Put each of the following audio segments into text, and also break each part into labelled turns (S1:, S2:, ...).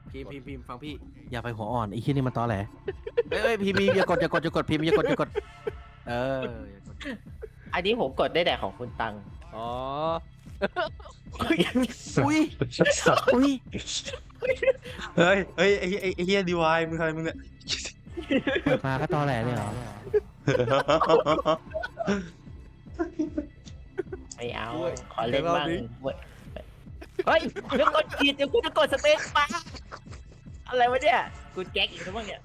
S1: พิมพ์ฟังพี่
S2: อย่าไปหัวอ่อนไอ้ขี้ยนี่มันตอแหลเอ้ยพิมพ์อย่ากดพิมพ์อย่ากดเอออย่ากด
S3: อันนี้ผมกดได้แต่ของคุณตัง
S4: อ๋อ
S2: อุ้ยอุ้ย
S5: เฮ้ยไอ้เฮียดีวายมึงอะไรมึงเนี่ย
S2: เปิดมาก็ตอแหลเลยเหรอ
S3: ไม่เอาขอเล่นบ้างเฮ้ยเดี๋ยวกดผิดเดี๋ยวกูจะกดสเปซบ้าอะไรวะเนี่ยกูแก๊กอีกแล้วมั้งเนี่ย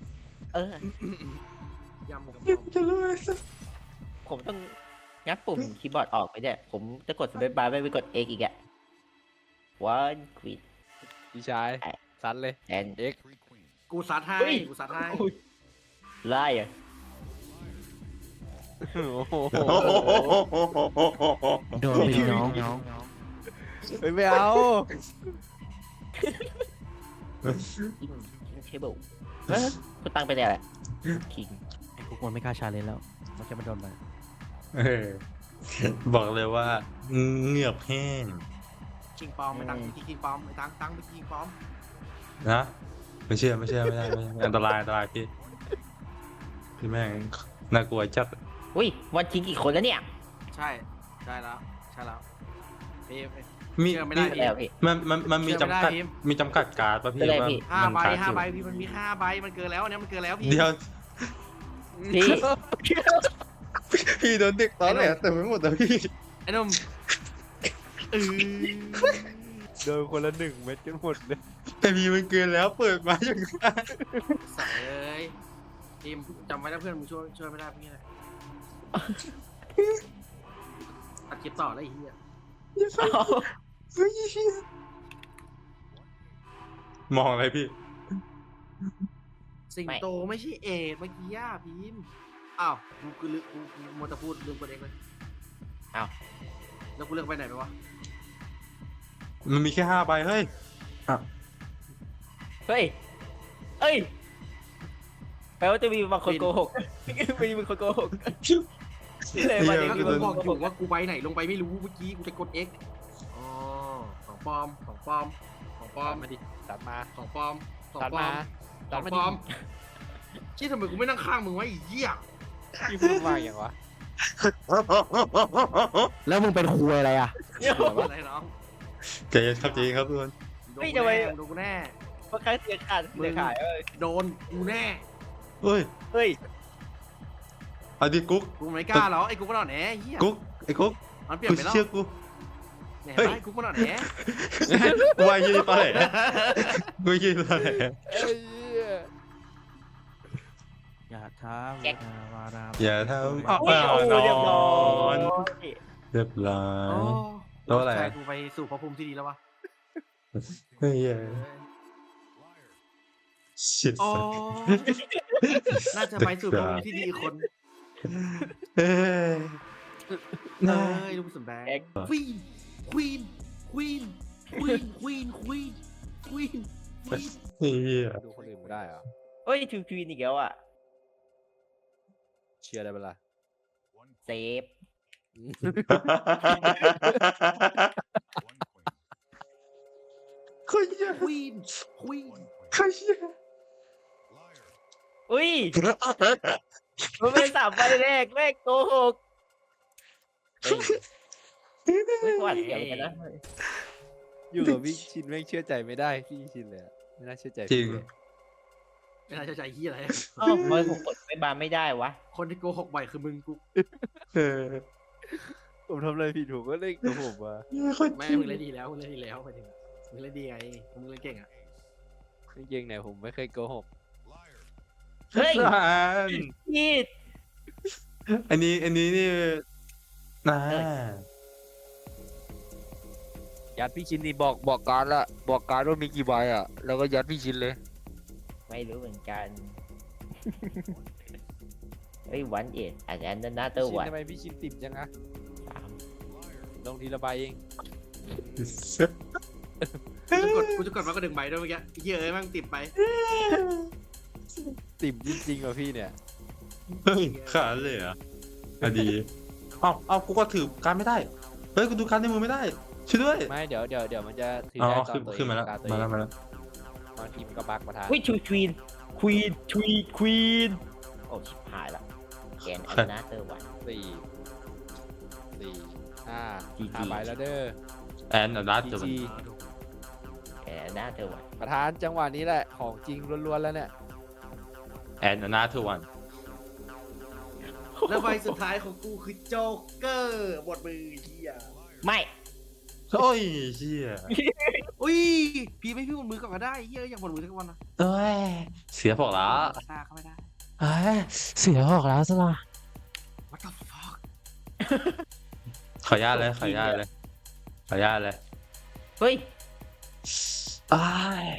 S1: ยำกับ
S5: จะรู้ไหม
S3: ผมต้องงัดปุ่มคีย์บอร์ดออกไปเนี่ยผมจะกดสเปซบาร์ไม่ไปกด X อีกอะ one quit
S4: พี่ชายซัดเลย
S3: and
S4: X
S1: กูซัดให้
S3: เฮ้ย
S1: กูซัดให้
S3: ไล่อะ
S4: โอ้โห
S2: โดนไปดิน้อง
S4: เฮ้ยไม่เอา
S3: คิงเทเบิลคุณตังไปไหนแหละคิง
S2: ไอ้พวกมันไม่กล้าชาเลนจ์แล้วมันจะมาโดนไป
S5: เออบอกเลยว่าเหงือกแห้ง
S1: คิงปอมไปตั้งที่คิงปอมไปตั้งไปคิงปอม
S5: นะไม่เชื่อไม่ได้อันตรายพี่แม่งน่ากลัวจัด
S3: อุ้ยวันคิงกี่คนแล้วเนี่ย
S1: ใช่แล้วพี่
S5: มี
S1: เชื่อไม่ได้
S3: แล้วพี่
S5: มันมีจำกัด
S1: เชื่อไม่ได้พิมพ์
S5: มีจำกัดการ์ดป่ะพี่
S3: ไม่ได้
S5: ว่า
S3: พี่
S5: มัน
S1: 5 ใบ
S5: การ์ดอยู่
S1: พี่มันมี5 ใบมันเกินแล้วเนี่ยมันเกินแล้วพี่
S5: เดี๋ยว
S3: พี่
S5: พี่โดนเด็กตอนแหลแต่ไม่หมดแต่พี่
S1: ไอ้หนุ่ม
S4: โดนคนละ1 เม็ดกันหมดเลย
S5: แต่พี่มันเกินแล้วเปิดมาอย่างนั้น
S1: ใส่เลยทีมจำไว้นะเพื่อนมึงช่วยไม่ได้พี่แหละตัดคลิปต่อแล้วไอ้เหี้ย
S5: มองอะไรพี่
S1: สิงโตไม่ใช่เอดเมื่อกี้ย่าพิมพ์อ้าวกูลืมกูมัวแต่พูดลืมประเด็นเลย
S3: อ้าว
S1: แล้วกูเลือกไปไหนไปวะ
S5: มันมีแค่5 ใบเฮ้ย
S3: เฮ้ยแปลว่าจะมีบางคนโกหกมีบางคนโกหกเลยวันนี้
S1: ก็
S3: มี
S1: กู
S3: บาง
S1: บอก
S3: คน
S1: อ
S3: โกห
S1: ยู่
S3: ก
S1: ว่ากูไปไหนลงไปไม่รู้เมื่อกี้กูจะกด X อ๋อของปลอม
S4: มาดิตัดมา
S1: ของปลอม
S4: ตัดมา
S1: ของปลอมชี้ทำไมกูไม่นั่งข้างมึงวะไอ้เหี้ย
S4: พี่พูดมากอย่างวะ
S2: แล้วมึงเป็นครูอะไรอ่ะ
S1: อะไรน้อง
S5: ใจเย็นครับทุกคน
S1: โดนกูแน่
S3: บางครั้งเสียขาดเอ้ย
S1: โดนกูแน่
S5: เฮ้ย
S3: เฮ้ย
S5: เอาดิกุ๊ก
S1: กูไม่กล้าหรอไอ้กูก็นอนแหนเหี้ย
S5: กุ๊กไอ้กุ๊ก
S1: มันเปลี่ยน
S5: กู
S1: ไปแล้ว
S5: เชื่อกู
S1: เนี่ยไอ้กูก็นอนแหน
S5: กูว่ายี่ตอนไหนกูยี่ตอนไหน
S4: เอ้ย
S2: อย่าท้าวารา
S5: อย่าทำอ้าว
S3: โอ้โหเรียบร้อย
S5: เรียบร้อ
S1: โอ้
S5: ย แล้วอะไร
S1: ใช่กูไปสู่ภพภูมิที่ดีแล้ววะ
S5: เฮ้ยชิด
S1: โอ้น่าจะไปสู่ภพภูมิที่ดีอีกคน
S5: เฮ้ย
S1: เอ้ยลูกสมแบงควีน
S5: เฮ้ย
S4: ดูคนอื่นไม่ได้เหรอ
S3: เฮ้ยทูควีนอีกแล้วอ่ะ
S4: เชียร์ได้เปล่า
S3: เซฟ
S5: ใครเหี้ย
S1: ควีน
S5: ใครเหี้ย
S3: อุ้ยมันเป็น3 ใบแรกแม่งโกหกไม่หวัดเสียวกันนะ
S4: อยู่กับพี่ชินแม่งเชื่อใจไม่ได้พี่ชินเลยอะไม่น่าเชื่อใจ
S5: จริง
S4: พี่เลย
S1: ไม่น่าจะใจเฮียอะไร
S3: อ้าวทำไมผมกดไม่บานไม่ได้วะ
S1: คนที่โกหกบ่อยคือมึงกู
S5: เออ
S4: ผมทำอะไรผิดผมก็เล่นกับผมมา
S1: แม่มึงเล่นดีแล้วไปถึงมึงเล่นดีไงมึงเล่นเก่งอ่ะ
S4: จริงๆเนี่ยผมไม่เคยโกหก
S3: เฮ้ยพี่
S5: อันนี้นี่นะ
S4: ยัดพี่ชินนี่บอกการละบอกการว่ามีกี่ใบอ่ะแล้วก็ยัดพี่ชินเลย
S3: ไม่รู้เหมือนกันเฮ้ยวันเอ็ดอาจจะอันนั้นน่าเตอร์
S4: ชิน
S3: วัน
S4: ทำไมพี่ชินติดจังอะลงทีละใบเอง
S1: กูจะกดมาก็ดึงใบด้วยเมื่อกี้เฮียเอ้ยแม่งติดไป
S4: ติ่มจริงๆว่ะพี่เนี่ย
S5: เฮ้ยขาดเลยเหรอ่ะอะดีเอากูก็ถือการไม่ได้เฮ้ยกูดูการในมือไม่ได้ช่วยด้วย
S4: ไม่เดี๋ยวมันจะถือ
S5: อ๋อ
S4: ได้ตอนตัวเอง
S5: ขึ้นมาแล้ว
S4: ตตัว
S5: มา
S4: เอง
S5: แล้ว
S6: บางทีมันก็บักประธาน
S3: อุ้ยควีนโอ้ชิบหายละแกนอันนาเตอร์วัน
S6: สี่ห้า
S3: GG
S6: ห้าใบแล้วเด้อ
S5: แอนอันดับจะ
S6: จี
S3: แกนอันนาเตอร์วัน
S6: ประธานจังหวะนี้แหละของจริงล้วนๆแล้วเนี่ย
S5: แอนอันดับวัน
S1: แล้วใบสุดท้ายของกูคือโจ๊กเกอร์บทมือเฮีย
S3: ไม่
S5: โอ้ยเชี่ย
S1: อุ้ยพี่ไม่พี่บทมือก่อนก็ได้เฮียอยากบทมือสักวันนะ
S5: เอ้ยเสียบอกแล้ว
S1: หน้าเข้าไม่ได้
S5: เอ้ยเสียบอกแล้วซะละ
S1: What the fuck
S5: ขออนุญาตเลยขออนุญาตเลยขออนุญาตเลย
S3: เฮ้ย
S5: อ้าย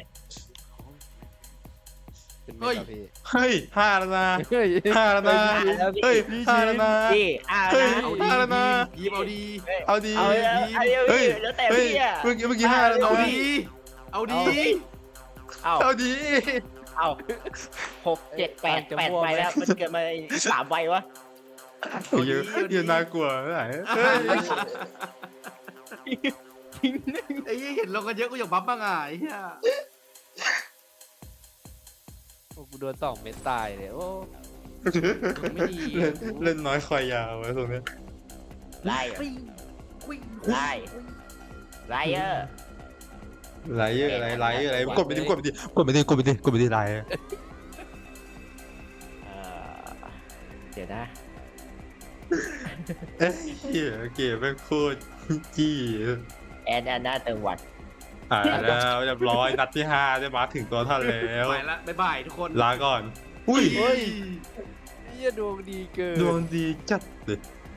S6: เป็นไงครับพี่
S5: เฮ้ยห้าแล้วนะ
S6: เฮ้ย
S5: ห้าแล้วนะเฮ้ยห้าแล้วนะ
S3: พี่
S5: เฮ้ย
S3: นะ
S1: เอาดี
S5: ห้าแล้วนะ
S1: พีมเอาดี
S5: เอาดี
S3: เอาเลยเอาเลย
S5: เฮ้ย
S3: แล้วแต่
S5: เฮ้ย
S3: พี่อะ
S5: เมื่อกี้ห้าแล้วนะ
S1: เอาดี เอาดี
S3: เอา
S5: เอาดี
S3: เอา6 7 8ใบแล้วมันเกิดมา3ใบวะ
S5: ยืนน่ากลัวไหนเฮ้ย
S1: ไอ้เหี้ยเห็นลงกันเยอะกูอยากบัฟบ้างอ่ะไอ้เหี้ย
S6: โอ้กูโดน2 เม็ดตายเลยโอ้
S1: ไม่ดี
S5: เล่นน้อยคอยยาวไว้ตรงนี้
S3: ไล่อะไล่ไล่เออ
S5: ไลท์อะไรกดไปดิกดไปดิไลท์
S3: เดี๋ยวนะ
S5: เอ้ยเกมแม่งโคตรจี้
S3: แอนนาเตอร์วัน
S5: แล้วเรียบร้อยนัดที่5ได้มาถึงตัวท่านแล้ว
S1: ไปละบ๊ายบายทุกคน
S5: ลาก่อนอุ้ย
S6: เฮ้ยเหี้ยดวงดีเกิน
S5: ดวงดีจัดเลย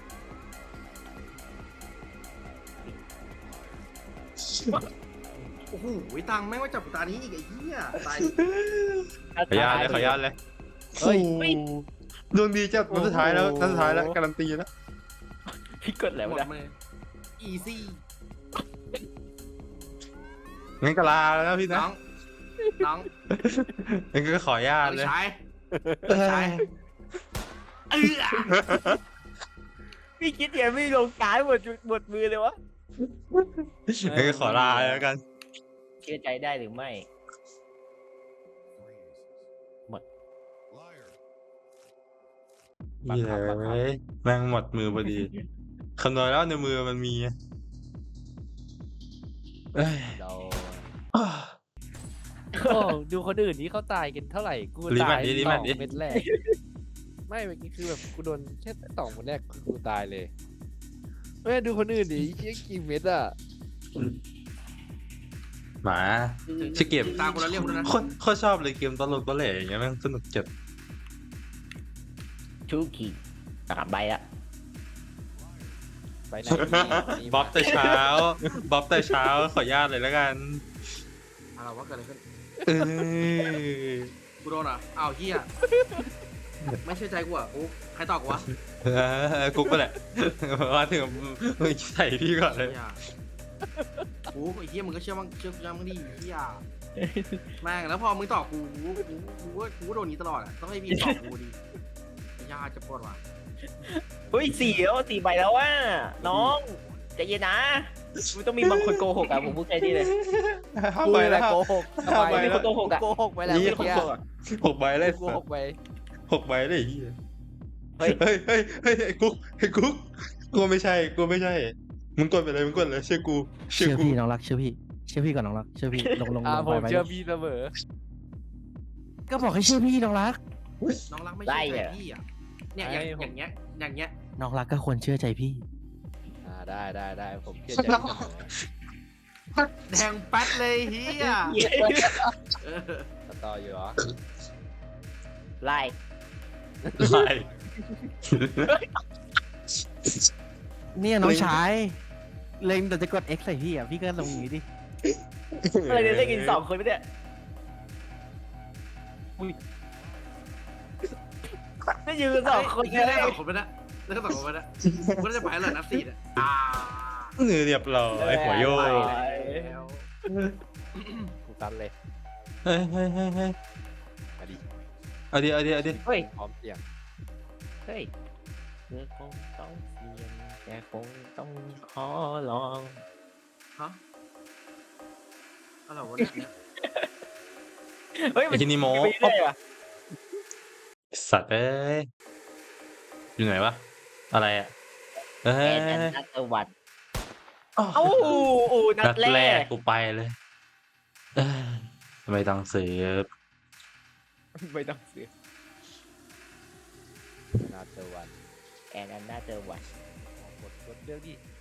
S1: โอ้โหตังค์แม่งว่าจับกูตานี้อีกไอ้เหี้ยตาย
S5: ขออนุญาตเลย
S6: เฮ้ย
S5: ดวงดีจัดนัดสุดท้ายแล้วการันตีแล้ว
S3: พี่กดแล้ว
S1: หมด
S3: นะ
S1: เลยอีซี่
S5: งั้นก็ลาแล้วพี่นะ
S1: น้อง
S5: งั้นก็ขออนุญาตเลย
S1: ใช้
S3: พี่คิดยังไม่ลงการหมดมือเลยวะ
S5: งั้นก็ขอลาแล้วกัน
S3: เชื่อใจได้หรือไม่
S5: นี่เลยแม่งหมดมือพอดีคำนวณแล้วในมือมันมีเอ้ย
S6: เรา
S5: อ้าว
S6: โอ้ดูคนอื่นนี้เขาตายกันเท่าไหร่กู
S5: รีแม
S6: ตา
S5: ท
S6: ย
S5: ดิรีแมทดิ
S6: 2 เม็ดแรกไม่เมื่อกี้คือแบบกูโดนแค่2 เม็ดแรกคือกูตายเลยเฮ้ยดูคนอื่นดิเชี่ยกี่เม็ดอ่ะ
S5: หมา ชื่อเกม
S1: ตามคนละเรียกคนนะ
S5: โคตรชอบเลยเกมตลกตะเหล่อย่างเงี้ยแม่งสนุกจัด
S3: ชูคี3ใบละ
S6: ไปไหนนี่
S5: บ๊อบแต่เช้าขออนุญาตเลยแล้วกัน
S1: อะไรวะเกิดอะไรขึ้น
S5: เออ
S1: กูโดนอ่ะอ้าวเหี้ยไม่เชื่อใจกูอ่ะกูใครตอบกูวะ
S5: กุ๊กก็แหละมาถึงมึงใส่พี่ก่อนเลย
S1: เหี้ยกูไอ้เหี้ยมึงก็เชื่อกูยังมึงดิเหี้ยแม่งแล้วพอมึงตอบกูโดนนี้ตลอดอ่ะต้องให้พี่ตอบกูดิยาจะปวดว่ะ
S3: เฮ้ย4 ใบแล้วว่ะน้องใจเย็นนะมันต้องมีบางคนโกหกอ่ะผมพูดแค่นี้เลย
S5: ห้า
S6: กู
S5: ใบ
S6: แห
S5: แล้
S6: ละ
S5: ว
S6: โกหก
S5: ห้าใบ
S3: มี
S5: แล้ว
S3: คนโกหกอ่ะ
S6: โกหกไปแล้ว
S5: นี่
S6: เมื่อกี้
S5: 6 ใบเลย
S6: โกหกไป
S5: 6 ใบเลยไอ้เหี้ย
S3: เฮ้ย
S5: เฮ้ยไอ้กุ๊กกูไม่ใช่มึงกดไปเลยเชื่อกู
S2: เชื่อพี่น้องรักเชื่อพี่ก่อนน้องรักเชื่อพี่ลง
S6: ผม
S2: ไป
S6: เชื่อพี่เสมอ
S2: ก็บอกให้เชื่อพี่น้องรัก
S1: น้องรักไม่เชื่อใจพี่อ่ะเนี่ยอย่างเงี้ย
S2: น้องรักก็ควรเชื่อใจพี่
S6: ได้ผมเชื่อใจพี่เสมอ
S1: แดงแป๊ดเลยเฮีย
S6: ต่ออยู่เหรอ
S3: ไล่
S5: ไล่
S2: เนี่ยน้องชายเล็งแต่จะกด X ใส่พี่อ่ะพี่ก็ลงอย่างนี้ดิ
S3: อะไรเนี่ยเล่นกัน2 คนไม่ได้ไม่ยืน2 คน
S1: เฮีย
S3: เล
S1: ได้
S3: ย
S1: 2 คนไปนะได้2 คนไปนะกูจะไปแล้วนับ4อ่ะ
S5: เรียบร้อยหัวโยก
S6: กูตันเลย
S5: เฮ้ย
S6: มาดิ
S5: เอาดิ
S3: เฮ้ย
S6: พร้อมเสียง
S3: เฮ้ยเธอคงต้องเสี่ยงแต่คงต้องขอลอง
S1: ฮะอะไรวะเนี่ย
S3: เฮ้ย
S5: ไอ้ที่นี่โม
S3: ไปเรื่อยว่ะ
S5: สัตว์เอ้ยอยู่ไหนวะอะไรอ่ะเอ้
S3: แอนแอน
S5: ย
S3: นัทวัฒน์
S5: อ้าว
S3: เอ้านั
S5: นั
S3: ด
S5: ด
S3: แร
S5: แรก
S3: ก
S5: กูไปเลยเอ้ยไม่ต้องซื้อ
S3: ไม่ต้องเสือ
S6: นาเตอร์วัน
S3: แอนนัทวัฒน์
S6: กดเรื่องดิ